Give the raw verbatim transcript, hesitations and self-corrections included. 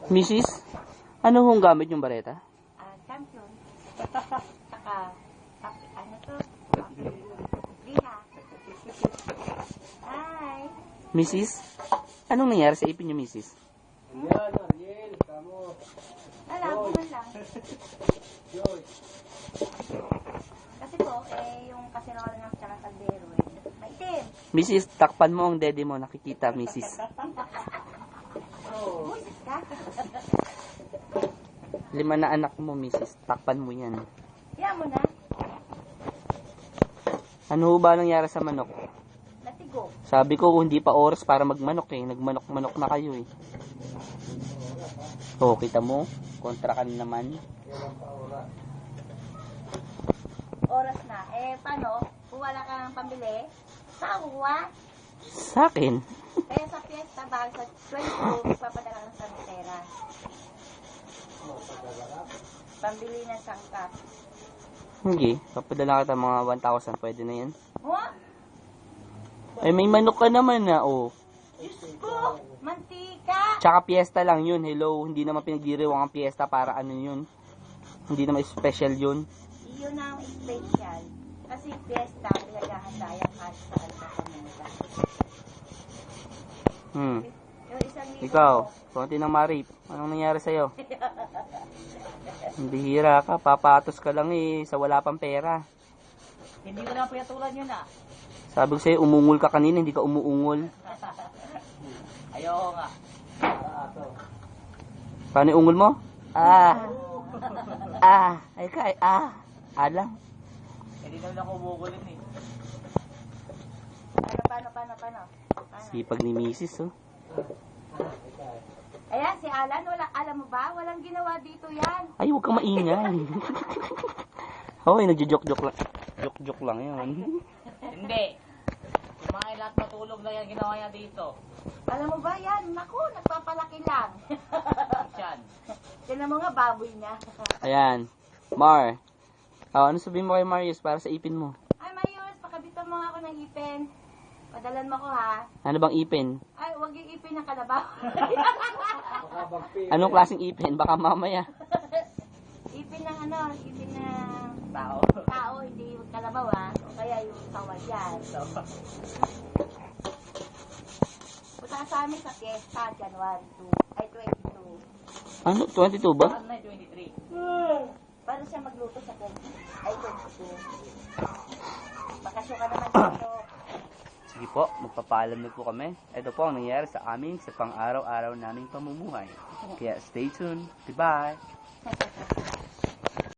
Missus, ano hong gamit yung bareta? Ah, champion. Saka, tapi- ano to? Liha. Hi. Missus, anong nangyari sa ipin niyo, Missus? Yan, Ariel, kamo. Wala, buman lang. Joy. Kasi po, eh, yung kaserola ng tsaka kaldero, eh, maitim. Missus, takpan mo ang dede mo, nakikita, Missus. Busis ka. Lima na anak mo, Missus, takpan mo yan. Yan mo na. Ano ho ba nangyari sa manok? Natigo. Sabi ko, hindi pa oras para magmanok eh. Nagmanok-manok na kayo eh. Oh, kita mo? Kontra ka na naman. Oras na. Eh, paano? Kung wala ka ng pambili, sawa. Sa akin? Kaya sa fiesta, bahag sa twenty-two, papadala ka ng sanitera. Pambili ng sangkap. Hindi. Papadala kita mga one thousand. Pwede na yan. Huh? Ay, may manok ka naman na, oh. Diyos ko! Mantika! Tsaka piyesta lang yun. Hello. Hindi naman pinagdiriwang ang piyesta para ano yun. Hindi naman special yun. Iyon ang special. Kasi fiesta, pinagahanda yan kahit saan ka pumunta. Hmm. Yung isang libo Ikaw, mo, konti ng marip. Anong nangyari sa'yo? Hindi hira ka. Papatos ka lang eh. Sa wala pang pera. Hindi ko na piyatulan yun ah. Sabi ko sa'yo, umungol ka kanina. Hindi ka umuungol. Ayoko nga. Paano yung ungol mo? Ah. Ah. Ay ka, ay, ah. Alam. Hindi naman ako umugulin eh. Paano, paano, paano, paano? Paano? Sipag ni Missus oh. Ayan, si Alan, wala, alam mo ba? Walang ginawa dito yan. Ay, huwag kang maingay. Hoy, nagjo-joke-joke lang. Joke-joke lang yun. Hindi. Kumain lahat matulog na yan ginawa niya dito. Alam mo ba yan? Naku, nagpapalaki lang. Yan. Yan ang mga baboy niya. Ayan. Mar. Oh, ano sabihin mo kay Marius para sa ipin mo? Ay, Mayus, pakabitan mo nga ako ng ipin. Padalan mo ko ha. Ano bang ipin? Ay, huwag yung ipin ng kalabaw. Anong klaseng ipin? Baka mamaya. Ipin ng ano, ipin ng Tao. tao, hindi yung kalabaw ha. O kaya yung tawad yan. Punta sa amin sa fiesta, January two. Ay, twenty-two. Ano? twenty-two ba? Ano na twenty-three? Paano siya magluto sa twenty? Ay, twenty-two. Bakasyon ka naman dito. Sige po, magpapaalam na po kami. Ito po ang nangyayari sa amin sa pang-araw-araw naming pamumuhay. Kaya stay tuned. Goodbye!